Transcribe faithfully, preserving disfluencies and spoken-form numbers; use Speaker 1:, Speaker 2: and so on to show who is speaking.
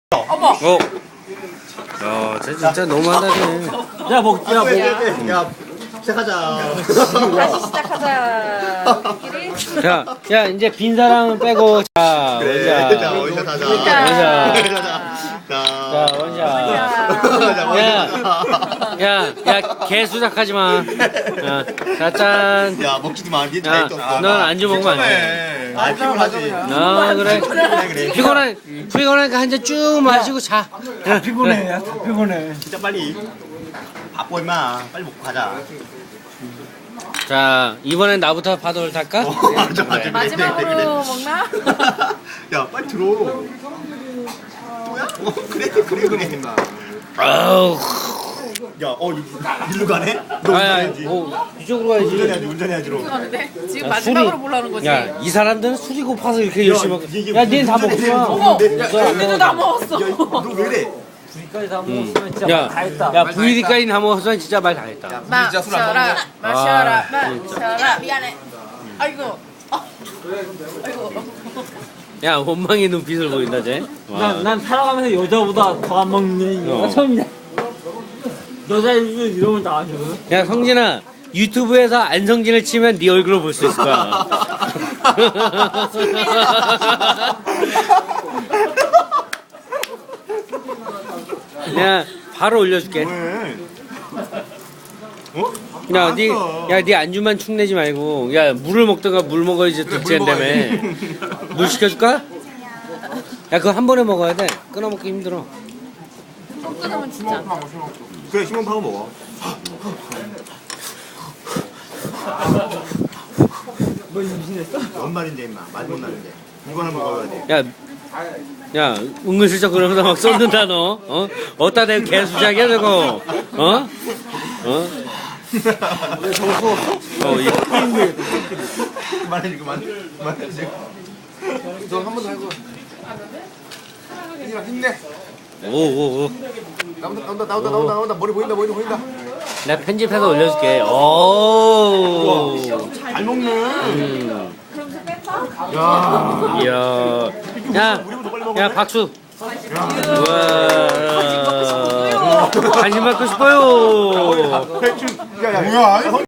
Speaker 1: 어머.
Speaker 2: 어. 야, 쟤 진짜 너무한다, 쟤.
Speaker 3: 야, 먹, 야, 먹.
Speaker 4: 야, 시작하자.
Speaker 1: 다시 시작하자. 우리끼리.
Speaker 2: 자, 야, 이제 빈 사람은 빼고, 자,
Speaker 4: 그래, 자,
Speaker 2: 원샷.
Speaker 4: 원샷 하자.
Speaker 2: 원샷.
Speaker 4: 자,
Speaker 2: 자, 원샷.
Speaker 4: 자, 원샷
Speaker 2: 야,
Speaker 4: 하자.
Speaker 2: 야, 야, 개 수작하지 마. 야, 자, 짠.
Speaker 4: 야, 먹지도 마. 니네
Speaker 2: 야,
Speaker 4: 다 있어.
Speaker 2: 넌 안주 먹으면 안 돼.
Speaker 4: 아, 피곤하지.
Speaker 2: 아, 그래.
Speaker 4: 그래, 그래.
Speaker 2: 피곤한, 피곤하니까 한 잔 쭉 마시고 자. 야,
Speaker 3: 피곤해, 야, 다 피곤해.
Speaker 4: 진짜 빨리. 바빠, 임마. 빨리 먹고 가자.
Speaker 2: 자, 이번엔 나부터 파도를 탈까?
Speaker 4: 맞아, 맞아.
Speaker 1: 마지막으로 먹나?
Speaker 4: 야, 빨리 들어. 또야? 어, 그래, 그래, 그래.
Speaker 2: 아우.
Speaker 4: 야, 어, 이- 일로 가네? 너
Speaker 2: 아, 야,
Speaker 4: 운전해야지.
Speaker 2: 어, 이쪽으로 가야지.
Speaker 4: 운전해야지, 운전해야지. 로.
Speaker 1: 하는데 지금
Speaker 2: 야,
Speaker 1: 마지막으로
Speaker 2: 술이-
Speaker 1: 보려는 거지.
Speaker 2: 야, 이 사람들은 술이 고파서 이렇게 열심히 먹.
Speaker 4: 이게
Speaker 2: 야, 니는 다
Speaker 4: 운전해,
Speaker 2: 먹지 마.
Speaker 1: 어머,
Speaker 4: 운전해.
Speaker 2: 야, 야,
Speaker 1: 우리도 다 먹었어.
Speaker 4: 야, 너 왜 이래?
Speaker 3: 여기까지 다 먹었으면 진짜
Speaker 2: 야,
Speaker 3: 다 했다.
Speaker 2: 야, 부위리까지 다 먹었으면 진짜 말 다 했다.
Speaker 1: 마셔라, 마셔라,
Speaker 2: 아,
Speaker 1: 마셔라. 미안해. 아이고. 어. 아이고.
Speaker 2: 야, 원망의 눈빛을 보인다, 쟤. 와.
Speaker 3: 난, 난 살아가면서 여자보다 더 안 먹는
Speaker 2: 어.
Speaker 3: 이가 처음이야. 여자애들 이러면 다 아셔.
Speaker 2: 야, 성진아, 유튜브에서 안성진을 치면 네 얼굴을 볼 수 있을 거야. 야, 바로 올려줄게.
Speaker 4: 왜? 어?
Speaker 2: 야, 니,
Speaker 4: 알았어.
Speaker 2: 야, 니 안주만 축내지 말고, 야, 물을 먹다가 물 먹어야지
Speaker 4: 물
Speaker 2: 득지한다며. 물 시켜줄까? 야, 그거 한 번에 먹어야 돼. 끊어먹기 힘들어.
Speaker 1: 좀 끊으면 진짜.
Speaker 4: 그래, 시몬 파고 먹어.
Speaker 3: 뭐 임신했어?
Speaker 4: 뭔 말인데, 임마. 말 못 나는데. 이거나 먹어야 돼.
Speaker 2: 야, 야, 은근슬쩍 그러면서 막 쏟는다, 너. 어? 어따 대고 개수작이야, 저거. 어? 어? 어, 이,
Speaker 4: 그만해, 그만. 그만해.
Speaker 5: 너한번 더 해줘. 힘내.
Speaker 2: 오, 오, 오.
Speaker 5: 나온다, 나온다, 나온다, 나온다, 나온다. 머리 보인다, 머리 보인다.
Speaker 2: 내가 편집해서 올려줄게. 오.
Speaker 4: 잘 먹네.
Speaker 2: 음.
Speaker 1: 그럼 뺐다?
Speaker 4: 야.
Speaker 2: 이야. 야, 야, 박수. 우와. 관심 받고 싶어요.
Speaker 4: 야, 야, 뭐야?